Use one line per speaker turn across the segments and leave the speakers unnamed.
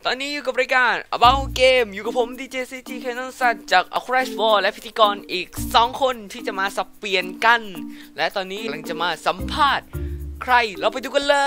ตอนนี้อยู่กับรายการ About Game อยู่กับผม DJCG Canon สัตจาก A Crash Ball และพิธีกรอีก2คนที่จะมาสับเปลี่ยนกัน และตอนนี้กำลังจะมาสัมภาษณ์ใครเราไปดูกันเลย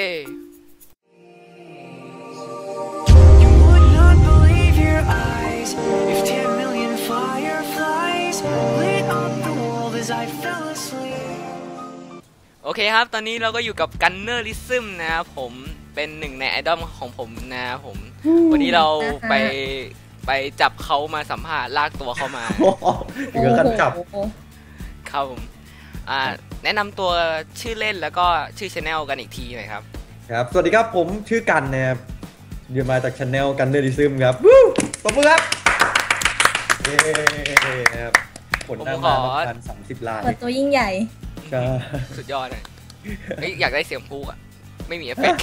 You would not believe your eyes if 10 million fireflies lit up the world as I fell asleep.
โอเคครับ ตอนนี้เราก็อยู่กับ Gunnerism นะครับผมเป็นหนึ่งในไอดอลของผมนะครับผมวันนี้เราไปจับเขามาสัมภาษณ์ลากตัวเขามา
ถึงกับขั้นจับ
ครับผมแนะนำตัวชื่อเล่นแล้วก็ชื่อ channel กันอีกทีหน่อยครับ
ครับ สวัสดีครับผมชื่อกันนะครับเดี๋ยวมาจากช anel กันเนอริซึมครับวู้ปรบมือครับเย้ครับผลหน้ามาประมาณ30 ล้าน
เปิดตัวยิ่งใหญ่
ใช่
สุดยอดเลยอยากได้เสียงพูอะไม่มีเอฟเฟกต์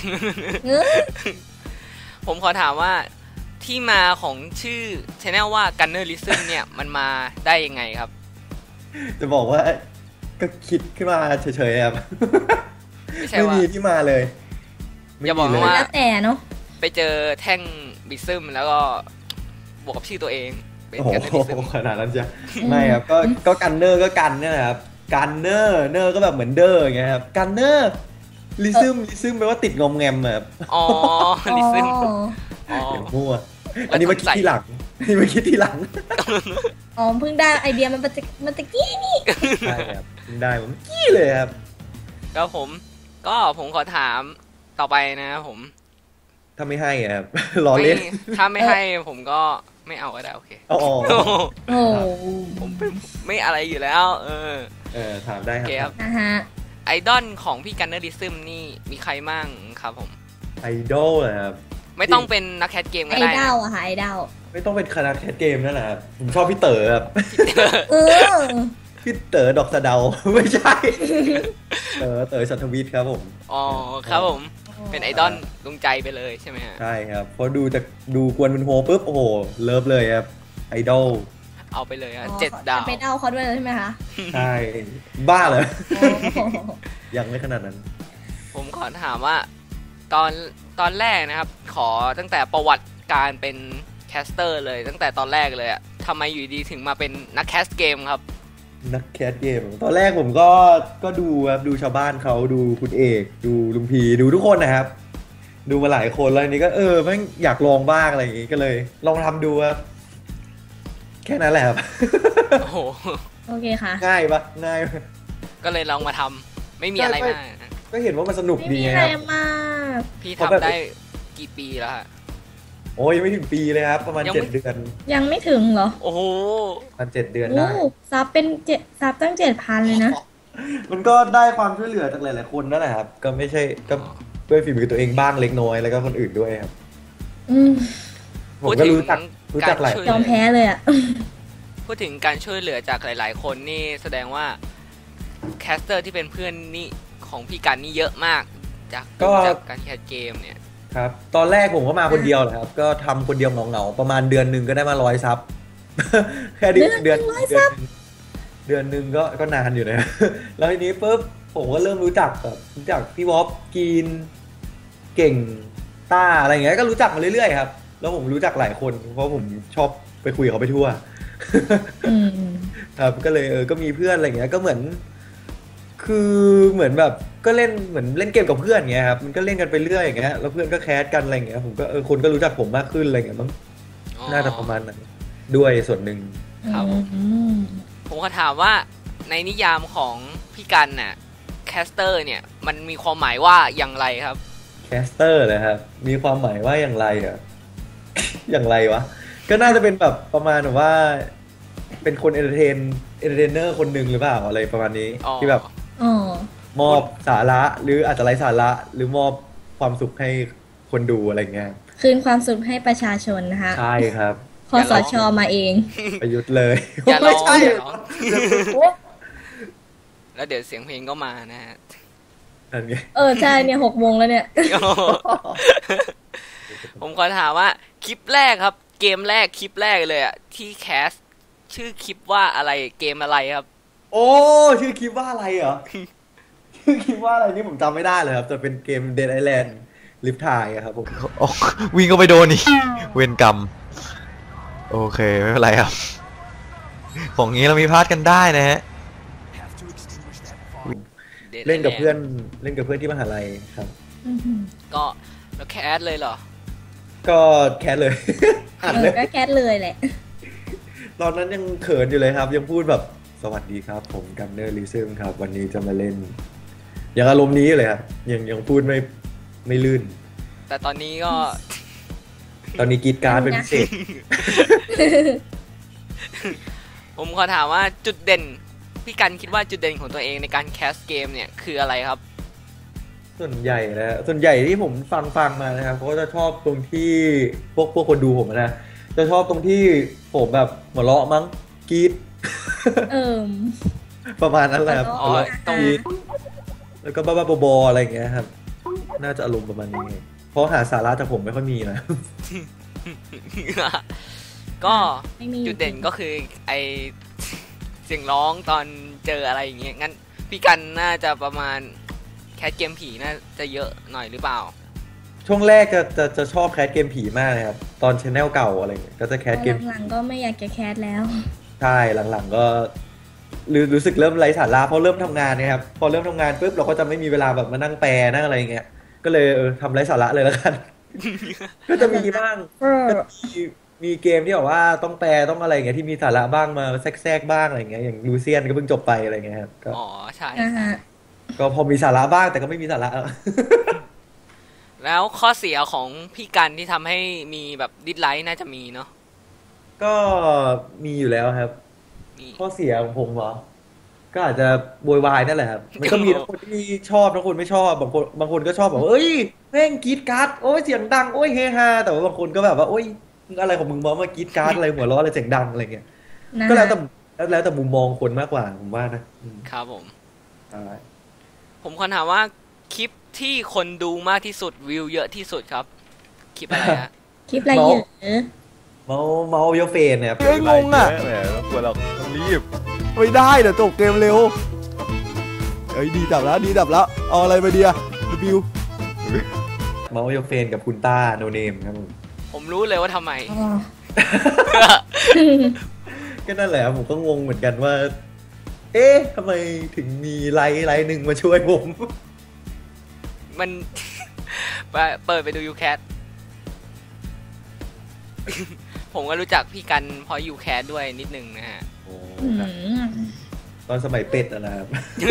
ผมขอถามว่าที่มาของชื่อ channel ว่า Gunnerism เนี่ยมันมาได้ยังไงครับ
จะบอกว่าก็คิดขึ้นมาเฉยๆครับ
ไม่ใช่
ไม่
ว่า
มีที่มาเลย
อย่าบอก
ไม่มี
ว่า
เลย
แล้วแต่เนาะ
ไปเจอแท่งบิซึมแล้วก็บวกกับชื่อตัวเองเป็น
โอ้โห
Gunnerism
ขนาดนั้นจ้ะไม่ครับก็กันเนอร์ก็กันเนี่ยนะครับกันเนอร์เนอร์ก็แบบเหมือนเดอร์อย่างเงี้ยครับกันเนอร์ลิซึมแปลว่าติดงอมแงมครับ
อ๋อลิซึม
อ๋อ
อ๋อ
เดี๋ยวมั่วอันนี้มาคิดทีหลังอันนี้มาคิดทีหลัง
อ๋อเพิ่งได้ไอเดียมันตะกี้นี่
ใช่ครับได้ผมกี้เลยครับ
ก็ผมขอถามต่อไปนะครับผม
ถ้าไม่ให้อะครับ ล้อเล่น
ถ้าไม่ให้ผมก็ไม่เอาก็ได้โอเค
อ๋อ
โอ้
ผมไม่อะไรอยู่แล้ว
ถามได้
โอ
ค
เค
รั
ครับ บ
นะฮะ
ไอดอลของพี่กันเนอริซึมนี่มีใครมั่งครับผม
ไอดอลนะครับ
ไม่ต้องเป็นนักแคสเกม
ไอ
ก็ได้
ดา
นะ
วอะค่ะไอดาว
ไม่ต้องเป็นคณะแคสเกมนั่นแหละครับผมชอบพี่เต๋อครับ
เออ
พี่เต๋อดอกสะเดา ไม่ใช่เต๋อสัทวิทย์ครับผม
อ๋อครับผมเป็นไอดอลดวงใจไปเลยใช่ไหมฮะ
ใช่ครับพอดูกวนเป็นโฮปุ๊บโอ้โหเลิฟเลยครับไอดอล
เอาไปเลยฮะ
อ๋อ
7 ดาว
จะไปดาวเขาด้วยเลยใช่ไหมคะ
ใช่บ้าเหรอ
โอ้โห
ยังไม่ขนาดนั้น
ผมขอถามว่าตอนแรกนะครับ ขอตั้งแต่ประวัติการเป็นแคสเตอร์เลยตั้งแต่ตอนแรกเลยอะทำไมอยู่ดีถึงมาเป็นนักแคสเกมครับ
นักแคสเกมตอนแรกผมก็ดูครับดูชาวบ้านเขาดูคุณเอกดูลุงพีดูทุกคนนะครับ ดูมาหลายคนแล้วอันนี้ก็แม่งอยากลองบ้างอะไรอย่างงี้ก็เลย ลองทำดูครับแค่นั้นแหละครับ
โอ้โห
โอเคค่ะ
ง่ายปะง่ายปะ
ก็เลยลองมาทำไม่มีอะไรมากนะ
ก็เห็นว่ามันสนุก
ไม่
ดี
มี
ไง
อะไร
ครับ
มาก
พี่
เพราะแบบ
ทำได้กี่ปีแล้วฮะ
โอ้ยยังไม่ถึงปีเลยครับ ประมาณ
ยังไม่
7 เดือน
ยังไม่ถึงเหรอ
โอ้โห
ประมาณ7 เดือน
โอ้
ได้
ซับเป็นซับตั้ง7,000เลยนะ
มันก็ได้ความช่วยเหลือจากหลายๆคนนั่นแหละครับ ก็ไม่ใช่ก็ด้วยฝีมือตัวเองบ้างเล็กน้อยแล้วก็คนอื่นด้วยครับ
อืม
ผมก็รู้จักหลาย
ยอมแพ้เลยอะ
พูดถึงการช่วยเหลือจากหลาย ๆ คนนี่แสดงว่าแคสเตอร์ที่เป็นเพื่อนนี่ของพี่กันนี่เยอะมากจากการแคสเกมเนี่ย
ครับตอนแรกผมก็มาคนเดียวแหละครับ ก็ทำคนเดียวเหงาๆประมาณเดือนหนึ่งก็ได้มา100 ซับ แค่เดือนหนึ่งก็นานอยู่นะ แล้วทีนี้ปุ๊บผมก็เริ่มรู้จักพี่วอฟกีนเก่งต้าอะไรอย่างเงี้ยก็รู้จักมาเรื่อยๆครับแล้วผมรู้จักหลายคนเพราะผมชอบไปคุยกับเขาไปทั่ว
อืม
ครับก็เลยก็มีเพื่อนอะไรอย่างเงี้ยก็เหมือน คือเหมือนแบบก็เล่นเหมือนเล่นเกมกับเพื่อนอย่างเงี้ยครับมันก็เล่นกันไปเรื่อยอย่างเงี้ยแล้วเพื่อนก็แคสกันอะไรอย่างเงี้ยผมก็คนก็รู้จักผมมากขึ้นอะไรอย่างเงี้ยมั้งน่าจะประมาณนั้นด้วยส่วนหนึ่ง
ครับผม
อืม
ผมก็ถามว่าในนิยามของพี่กันน่ะแคสเตอร์เนี่ยมันมีความหมายว่าอย่างไรครับ
แคสเตอร์เลยครับมีความหมายว่าอย่างไรอ่ะ อย่างไรวะก็น่าจะเป็นแบบประมาณแบบว่า เป็นคนเอนเตอร์เทนเนอร์คนหนึ่งหรือเปล่าอะไรประมาณนี้
อ๋อ
ที่แบบ
อ๋อ
มอบสาระหรืออาจจะไร้สาระหรือมอบความสุขให้คนดูอะไรเงี้ย
คืนความสุขให้ประชาชนนะคะ
ใช่ครับ
คอสชมาเอง
ประยุทธ์เลย
อย่าร้อง
ไม่ใช่
อย่าร้องแล้วเดี๋ยวเสียงเพลงก็มานะฮะ
นั่นไง
ใช่เนี่ย6 โมงแล้วเนี่ย
ผมขอถามว่าคลิปแรกครับ เกมแรกคลิปแรกเลยอะที่แคสชื่อคลิปว่าอะไรเกมอะไรครับ
โอ้ชื่อคลิปว่าอะไรเหรอ ชื่อคลิปว่าอะไรนี่ผมจำไม่ได้เลยครับจะเป็นเกม Dead Island ลิฟต์ไทยอะครับผม
โอ้วิ่งก็ไปโดนนี่เวรกรรมโอเคไม่เป็นไรครับของงี้เรามีพลาดกันได้นะฮะ
เล่นกับเพื่อนที่มหาลัยครับ
อื้อหือ
ก็แล้วแคสเลยเหรอ
ก็แคสเลย อัดเลย
ก็แคทเลยแหละ
ตอนนั้นยังเขินอยู่เลยครับ ยังพูดแบบสวัสดีครับ ผมกันเนอร์ลิซึมครับ วันนี้จะมาเล่นยังอารมณ์นี้อยู่เลยครับยังพูดไม่ลื่น
แต่ตอนนี้ก็
ตอนนี้กรีดกรารเป็นพิเศษ
ผมขอถามว่าจุดเด่นพี่กันคิดว่าจุดเด่นของตัวเองในการแคสเกมเนี่ยคืออะไรครับ
ส่วนใหญ่นะส่วนใหญ่ที่ผมฟังมานะครับเขาก็จะชอบตรงที่พวกคนดูผมนะจะชอบตรงที่ผมแบบหัวเราะมั้งกรีด
เอิ่ม
ประมาณนั้นแหละครับ
อ๋อ
หัวเราะ
ตรง
กรี๊ดแล้วก็บ้าๆบอๆอะไรอย่างเงี้ยครับ น่าจะอารมณ์ประมาณนี้เพราะหาสาระจากผมไม่ค่อยมีนะ
ก็
ไม่มี
จุดเด่นก็คือไอเสียงร้องตอนเจออะไรอย่างเงี้ยงั้นพี่กันน่าจะประมาณแคสเกมผีน่าจะเยอะหน่อยหรือเปล่า
ช่วงแรกจะชอบแคสเกมผีมากเลยครับ ตอนชแนลเก่าอะไรเงี้ยก็จะแคสเกม
หลังๆก็ไม่อยากจะแคทแล้ว
ใช่หลังๆก็รู้สึกเริ่มไร้สาระเพราะเริ่มทำงานเนี่ยครับพอเริ่มทำงานปุ๊บเราก็จะไม่มีเวลาแบบมานั่งแปลนั่งอะไรอย่างเงี้ยก็เลยทำไร้สาระเลยแล้วกัน ก็จะมีบ้าง ก็มีเกมที่แบบว่าต้องแปลต้องอะไรอย่างเงี้ยที่มีสาระบ้างมาแทรกบ้างอะไรอย่างเงี้ยอย่างลูเซียนก็เพิ่งจบไปอะไรเงี้ยครับก็
อ๋อใช่
อ่าฮะ
ก็พอมีสาระบ้างแต่ก็ไม่มีสาระ
แล้วข้อเสียของพี่กันที่ทำให้มีแบบดิสไลค์น่าจะมีเนาะ
ก็มีอยู่แล้วครับ
มี
ข้อเสียของผมเหรอก็อาจจะโวยวายนั่นแหละครับมันก็มีทั้งคนที่ชอบทั้งคนไม่ชอบบางคนก็ชอบแบบว่าเอ้ยแม่งกรีดการ์ดโอ้ยเสียงดังโอ้ยเฮฮาแต่ว่าบางคนก็แบบว่าโอ้ยมึงอะไรของมึงมากรีดการ์ดอะไรหัวเราะอะไรเสียงดังอะไรเงี้ย
นะ
ก็แล้วแต่มุมมองคนมากกว่าผมว่านะอืม
ครับผม
ใช่
ผมขอถามว่าคลิปที่คนดูมากที่สุดวิวเยอะที่สุดครับ คลิปอะไรฮะ
คลิปอะไรอยู่
เมาเยอะเฟนเนี่ย
เอ้ยงงอ่ะแหมไม่ควรหรอกต้องรีบไม่ได้เดี๋ยวจบเกมเร็วเอ้ยดีดับแล้วเอาอะไรไปเดียบิว
เมาเยอะเฟนกับคุณต้าโนเนมครับผม
ผมรู้เลยว่าทำไม
อ๋อ
ก็นั่นแหละผมก็งงเหมือนกันว่า เอ๊ะทำไมถึงมีไลน์หนึ่งมาช่วยผม
มัน เปิดไปดูยูแคท ผมก็รู้จักพี่กันเพราะยูแคทด้วยนิดนึงนะฮะ
โอ้
อื
ครับ
ม
ตอนสมัยเป็ดอะนะครับ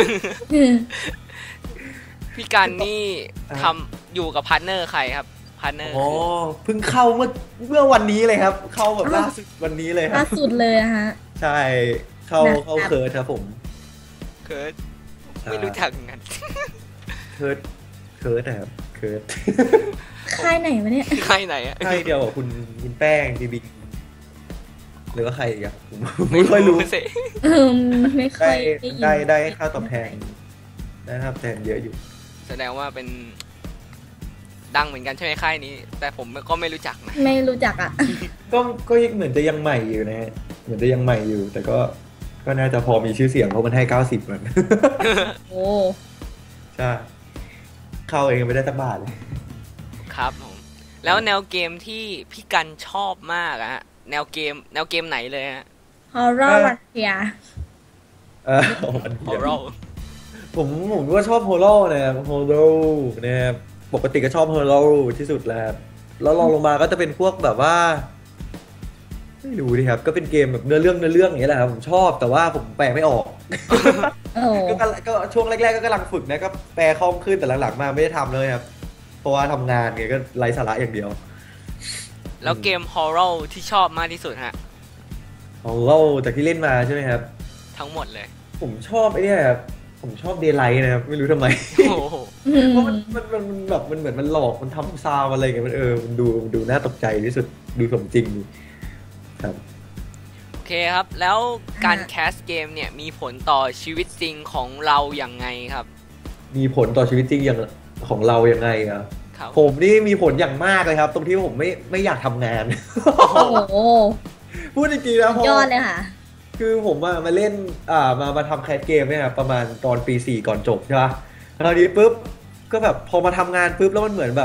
พี่กันนี่ทำอยู่กับพาร์ทเนอร์ใครครับพาร์ทเนอร์
อ๋อเพิ่งเข้าเมื่อวันนี้เลยครับ เข้าแบบล่าสุดวันนี้เลยค
ล่า
รับ
สุดเลยอะฮะ
ใช่เข้า
นะครับ
เคิร์ดครับผม
เคิร์ดไม่รู้จักกัน
เคิร์ดนะครับเคิร์ด
ค่ายไหนวะเนี่ย
ใครไหนอะ
ใช่เดียวกับคุณแป้งดีบิงหรือว่าใครอีกอะผมไม่ค่อยรู้
สิ
ไม่ค่อยยิน
ได้ค่าตอบแทนได้ค่าตอบแทนเยอะอยู่
แสดงว่าเป็นดังเหมือนกันใช่ไหมค่ายนี้ แต่ผมก็ไม่รู้จักนะ
ไม่รู้จักอ่ะ
ก็เหมือนจะยังใหม่อยู่นะฮะเหมือนจะยังใหม่อยู่ แต่ก็น่าจะพอมีชื่อเสียงเพราะมันให้90เหมือน
โอ้
ใช่เข้าเองไม่ได้สักบาทเลย
ครับผมแล้วแนวเกมที่พี่กันชอบมากอะฮะแนวเกมไหนเลยฮะ
ฮอร์เรอร์รัสเซีย
อัน
ฮอ
เดียว
ร์เรอ
ผมก็ชอบโฮโลนะครับโฮโลนะครับปกติก็ชอบโฮโลที่สุดแล้วครับแล้วลองลงมาก็จะเป็นพวกแบบว่าไม่รู้ดิครับ ก็เป็นเกมแบบเนื้อเรื่องอย่างเงี้ยแหละครับผมชอบแต่ว่าผมแปลไม่ออก
โอ้
ก็ช่วงแรกๆก็กำลังฝึกนะก็แปลคล่องขึ้นแต่หลังๆมาไม่ได้ทำเลยครับเพราะว่าทำงานไงก็ไร้สาระอย่างเดียว
แล้วเกมฮอร์เรอร์ที่ชอบมากที่สุดฮะ
โฮโลจากที่เล่นมาใช่ไหมครับ
ทั้งหมดเลย
ผมชอบไอ้เนี่ยครับผมชอบเดย์ไลท์นะครับไม่รู้ทำไม
โอ้โห
เพราะมันแบบมันเหมือนมันหลอกมันทำซาวอะไรอย่างเงี้ยมันมันดูน่าตกใจที่สุดดูสมจริงดีครับ
โอเคครับ แล้วการแคสเกมเนี่ยมีผลต่อชีวิตจริงของเราอย่างไงครับ
มีผลต่อชีวิตจริงอย่างของเรายังไงอ่ะ
ครับ
ผมนี่มีผลอย่างมากเลยครับ ตรงที่ผมไม่อยากทำงาน
โอ้โห
พูดจริงๆนะเพราะ
ยอดเลยค่ะ
คือผมมาเล่นมาทำแคสเกมเนี่ยครับประมาณตอนปี 4ก่อนจบใช่ป่ะคราวนี้ปุ๊บก็แบบพอมาทำงานปุ๊บแล้วมันเหมือนแบบ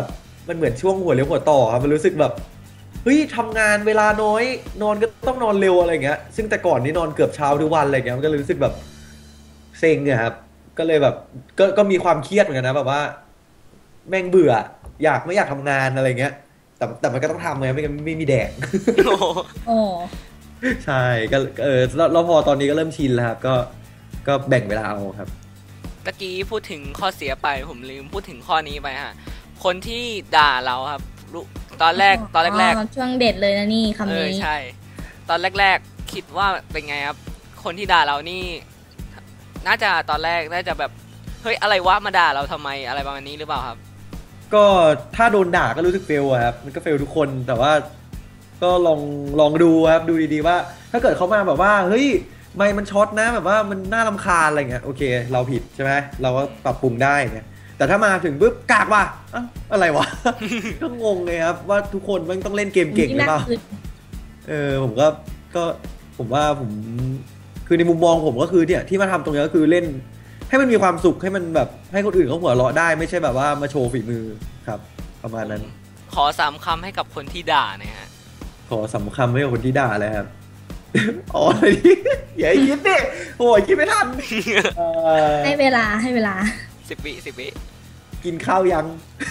มันเหมือนช่วงหัวเลี้ยวหัวต่อครับมันรู้สึกแบบเฮ้ยทำงานเวลาน้อยนอนก็ต้องนอนเร็วอะไรเงี้ยซึ่งแต่ก่อนนี่นอนเกือบเช้าทุกวันอะไรเงี้ยมันก็เลยรู้สึกแบบเซ็งเนี่ยครับก็เลยแบบก็มีความเครียดเหมือนกันนะแบบว่าแม่งเบื่อไม่อยากทำงานอะไรเงี้ยแต่มันก็ต้องทำไงไม่งั้นไม่มีแดก
โอ้โห
โอ้
ใช่ก็แล้วพอตอนนี้ก็เริ่มชินแล้วครับก็แบ่งเวลาเอาครับ
ตะกี้พูดถึงข้อเสียไปผมลืมพูดถึงข้อนี้ไปฮะคนที่ด่าเราครับตอนแรก
ช่วงเด็ดเลยนะนี่คำนี้
ใช่ ตอนแรกคิดว่าเป็นไงครับ คนที่ด่าเรานี่ น่าจะตอนแรกน่าจะแบบเฮ้ยอะไรวะมาด่าเราทำไมอะไรประมาณนี้หรือเปล่าครับ
ก็ถ้าโดนด่าก็รู้สึกเฟลอะครับมันก็เฟลทุกคนแต่ว่าก็ลองดูครับดูดีๆว่า ถ้าเกิดเขามาแบบว่าเฮ้ยไม่มันช็อตนะแบบว่ามันน่ารำคาญอะไรเงี้ยโอเค เราผิดใช่ไหมเราก็ปรับปรุงได้เนี่ยแต่ถ้ามาถึงปุ๊บกากว่ะอะไรวะ ก็งงเลยครับว่าทุกคนมันต้องเล่นเกมเก่งหรือเปล่าผมก็ผมว่าผมคือในมุมมองผมก็คือเนี่ยที่มาทำตรงนี้ก็คือเล่นให้มันมีความสุขให้มันแบบให้คนอื่นเขาหัวเราะได้ไม่ใช่แบบว่ามาโชว์ฝีมือครับประมาณนั้น
ขอ3 คำให้กับคนที่ด่าเนี่ยฮะ
ขอ3 คำให้กับคนที่ด่าเลยครับ อ๋ออย่าคิดดิโอ้ยคิดไม่ทัน
ให้เวลา
10 วิ
กินข้าวยัง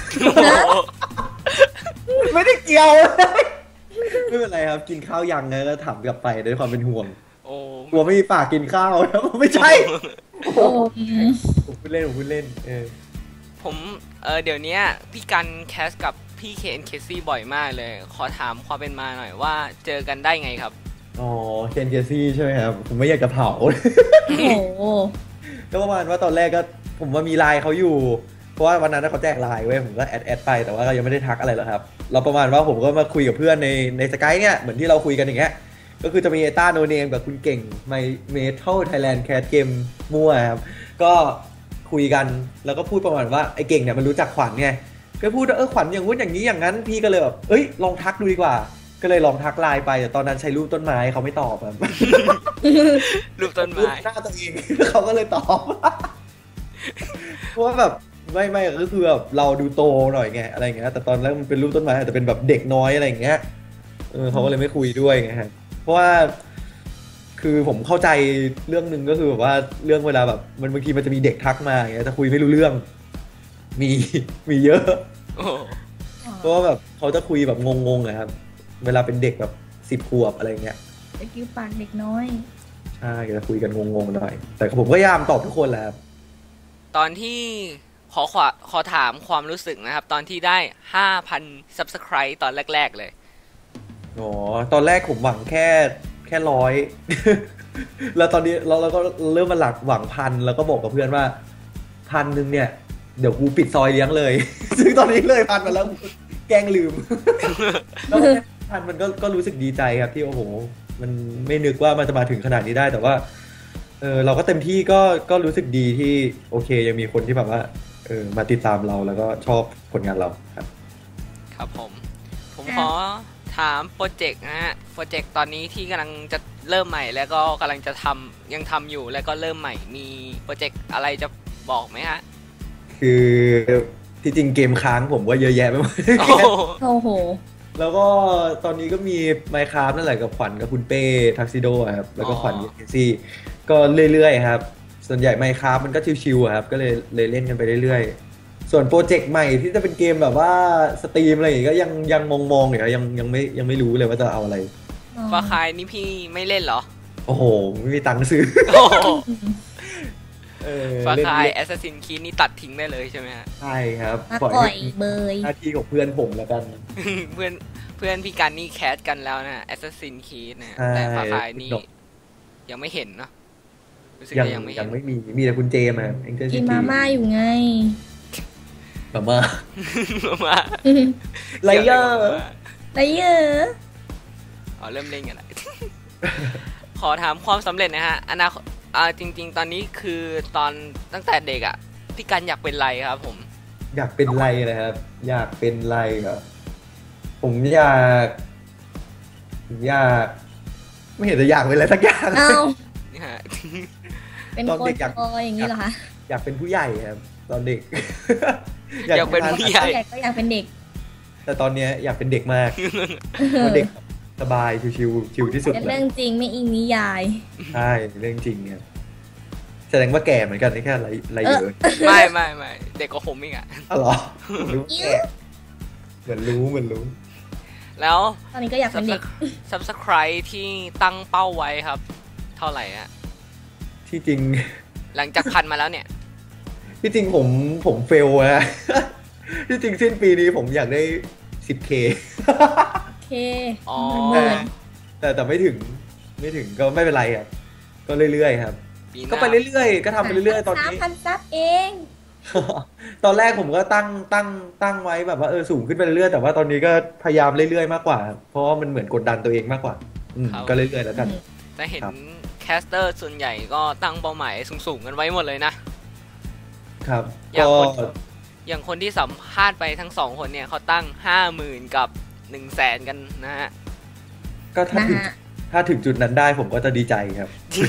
ไม่ได้เกี่ยวไม่เป็นไรครับกินข้าวยังไงแล้วถามกลับไปด้วยความเป็นห่วงกลัวไม่มีปากกินข้าวนะไม่ใช่ผมพูดเล่น
ผมเดี๋ยวนี้พี่กันแคสกับพี่เคนเคซี่บ่อยมากเลยขอถามความเป็นมาหน่อยว่าเจอกันได้ไงครับ
อ๋อเคนเคซี่ใช่ไหมครับผมไม่อยากจะเผาก็ประมาณว่าตอนแรกก็ผมว่ามีไลน์เขาอยู่เพราะว่าวันนั้นเขาแจกไลน์เว้ยผมก็แอดไปแต่ว่าก็ยังไม่ได้ทักอะไรหรอกครับเราประมาณว่าผมก็มาคุยกับเพื่อนในสกายเนี่ยเหมือนที่เราคุยกันอย่างเงี้ยก็คือจะมีต้าโนเนมกับคุณเก่งไมเมทัลไทยแลนด์แคสเกมมั่วครับก็คุยกันแล้วก็พูดประมาณว่าไอ้เก่งเนี่ยมันรู้จักขวัญไงก็พูดว่าขวัญอย่างงู้นอย่างนี้อย่างนั้นพี่ก็เลยแบบลองทักดูดีกว่าก็เลยลองทักไลน์ไปแต่ตอนนั้นใช้รูปต้นไม้เขาไม่ตอบครับ
รูปต้นไม้
หน้าตัวเองเขาก็เลยตอบเพราะว่าแบบไม่ก็คือแบบเราดูโตหน่อยไงอะไรเงี้ยแต่ตอนแรกมันเป็นรูปต้นไม้แต่เป็นแบบเด็กน้อยอะไรเงี้ยเขาก็เลยไม่คุยด้วยไงฮะเพราะว่าคือผมเข้าใจเรื่องนึงก็คือแบบว่าเรื่องเวลาแบบมันบางทีมันจะมีเด็กทักมาอย่างเงี้ยแต่คุยไม่รู้เรื่องมีเยอะเพราะว่าแบบเขาจะคุยแบบงงๆนะครับเวลาเป็นเด็กแบบ10 ขวบอะไรเงี้ย
เด็กปากเด็กน้อย
ใช่จะคุยกันงงๆหน่อยแต่ผมก็พยายามตอบทุกคนแหละครับ
ตอนที่ขอถามความรู้สึกนะครับตอนที่ได้ 5,000 Subscribe ตอนแรกๆเลย
อ๋อตอนแรกผมหวังแค่100 แล้วตอนนี้เราก็เริ่มมาหวัง1,000แล้วก็บอกกับเพื่อนว่า1,000เนี่ยเดี๋ยวกูปิดซอยเลี้ยงเลยซึ่งตอนนี้เลย1,000มาแล้วแกล้งลืมแล้ว1,000มันก็รู้สึกดีใจครับที่โอ้โหมันไม่นึกว่ามันจะมาถึงขนาดนี้ได้แต่ว่าเราก็เต็มที่ก็รู้สึกดีที่โอเคยังมีคนที่แบบว่ามาติดตามเราแล้วก็ชอบผลงานเรา
ครับผมขอถามโปรเจกต์นะฮะโปรเจกต์ตอนนี้ที่กำลังจะเริ่มใหม่แล้วก็กำลังจะยังทำอยู่แล้วก็เริ่มใหม่มีโปรเจกต์อะไรจะบอกไหมฮะ
คือที่จริงเกมค้างผมก็เยอะแยะไปหมด
โอ้โห
แล้วก็ตอนนี้ก็มี Minecraft นั่นแหละกับขวัญกับคุณเป้ทักซิโดครับแล้วก็ขวัญเคซี่ก็เรื่อยๆครับส่วนใหญ่ Minecraft มันก็ชิวๆครับก็เลยเล่นกันไปเรื่อยๆส่วนโปรเจกต์ใหม่ที่จะเป็นเกมแบบว่าสตรีมอะไรอย่างเงี้ยก็ยังมองอยู่ครับยังไม่รู้เลยว่าจะเอาอะไร
ฟาคายนี่พี่ไม่เล่นเหรอ
โอ้โหไม่มีตังค์ซื้อ
ฟาคาย Assassin's Creed นี่ตัดทิ้งได้เลยใช่ไหมฮะ
ใช่ครับ
ปล่อยเบย
หน้าที่ของเพื่อนผมแล้วกัน
เพื่อนพี่กันนี่แคสกันแล้วนะ Assassin's Creed นะแต่ฟาคายนี่ยังไม่เห็นเนาะ
ยังไม่มีแต่คุณเจมส์
กินมาม่าอยู่ไง
มาม่าไลเยอร์
เริ่มเล่นกันแล้วขอถามความสำเร็จนะฮะอนาคตจริงๆตอนนี้คือตอนตั้งแต่เด็กอ่ะพี่กันอยากเป็นไรครับผม
อยากเป็นไรนะครับอยากเป็นไรเหรอผมอยากไม่เห็นจะอยากเป็นอะไรสักอย่าง
เป็นคนอย่างนี้เหรอคะ
อยากเป็นผู้ใหญ่ครับตอนเด็ก
อยากเป็นผู้ใหญ่
ก็อยากเป็นเด็ก
แต่ตอนเนี้ยอยากเป็นเด็กมากเพราะเด็กสบายชิวๆชิวที่สุด
เป็น
เล
เรื่
ย
องจริงไม่อิงนิยาย
ใช่เรื่องจริงครับแสดงว่าแก่เหมือนกันนี่แค่อะไรเยอะ
ไม่เด็กกว่าผมอีกอะ
อ๋อเหรอรู้แก่เหมือนรู้
แล้ว
ตอนนี้ก็อยากเป็นเด็ก
subscribe ที่ตั้งเป้าไว้ครับ เท่าไหร่ฮะ
ที่จริง
หลังจากพันมาแล้วเนี่ย
ที่จริงผมเฟลนะ ที่จริงสิ้นปีนี้ผมอยากได้ 10K
โอเค
อ๋อ
แต่ไม่ถึงก็ไม่เป็นไรครับก็เรื่อยๆครับ
ปีหน้า
ก็ไปเรื่อยๆก็ทำไปเรื่อยๆตอนนี้
3,000 ซับเอง
ตอนแรกผมก็ตั้งไว้แบบว่าสูงขึ้นไปเรื่อยๆแต่ว่าตอนนี้ก็พยายามเรื่อยๆมากกว่าครับเพราะว่ามันเหมือนกดดันตัวเองมากกว่าก็เรื่อยๆแล้วกัน
แต่เห็น
ครับ
แคสเตอร์ส่วนใหญ่ก็ตั้งเป้าหมายสูงๆกันไว้หมดเลยนะ
ครับ
อย่าง
ก็
คน อย่างคนที่สัมภาษณ์ไปทั้งสองคนเนี่ยเขาตั้ง 50,000 กับ 100,000 กันนะฮะ
ก็ถ้าถึงจุดนั้นได้ผมก็จะดีใจครับ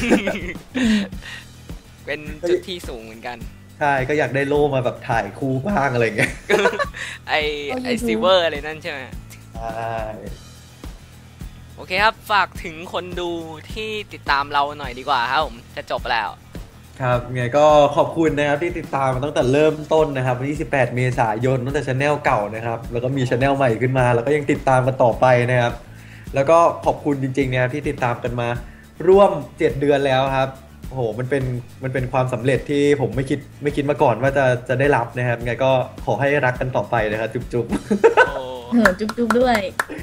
เป็นจุดที่สูงเหมือนกัน
ใช่ก็อยากได้โล่มาแบบถ่ายคู่บ้างอะไรเงี้ย
ไอซิเวอร์อะไรนั่นใช่ไหม
ใช่
โอเคครับ ฝากถึงคนดูที่ติดตามเราหน่อยดีกว่าครับผมจะจบแล้ว
ครับไงก็ขอบคุณนะครับที่ติดตามมาตั้งแต่เริ่มต้นนะครับวันที่18 เมษายนตั้งแต่ช anel เก่านะครับแล้วก็มีช anel ใหม่ขึ้นมาแล้วก็ยังติดตามกันต่อไปนะครับแล้วก็ขอบคุณจริงๆนะครับที่ติดตามกันมาร่วม7 เดือนแล้วครับโอ้โหมันเป็นความสำเร็จที่ผมไม่คิดมาก่อนว่าจะได้รับนะครับไงก็ขอให้รักกันต่อไปนะครับจุ๊บ
โอ้
จุ๊บๆด้วย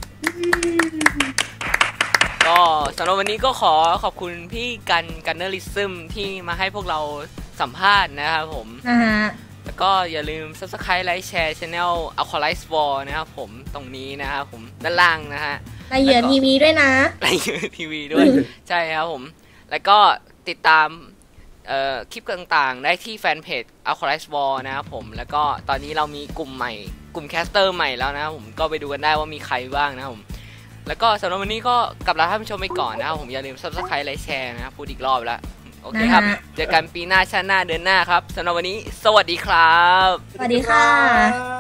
ก็สำหรับวันนี้ก็ขอขอบคุณพี่กันเนอริซึมที่มาให้พวกเราสัมภาษณ์นะครับผม
นะฮะ
แล้วก็อย่าลืม subscribe ไลค์แชร์ channel Aqualize War นะครับผมตรงนี้นะครับผมด้านล่างนะฮะ
ในเหยื่อทีวีด้วยนะ
ไลค์ทีวีด้วย ใช่ครับผม แล้วก็ติดตามคลิปต่างๆ ได้ที่แฟนเพจ Aqualize War นะครับผมแล้วก็ตอนนี้เรามีกลุ่มใหม่กลุ่มแคสเตอร์ใหม่แล้วนะครับผมก็ไปดูกันได้ว่ามีใครบ้างนะครับผมแล้วก็สำหรับวันนี้ก็กลับลาท่านผู้ชมไปก่อนนะครับผมอย่าลืม subscribe ไลค์แชร์นะครับพูดอีกรอบแล้วโอเคครับ
นะฮะ
เจอกันปีหน้าชาติหน้าเดือนหน้าครับสำหรับวันนี้สวัสดีครับ
สวัสดีค่ะ
ๆ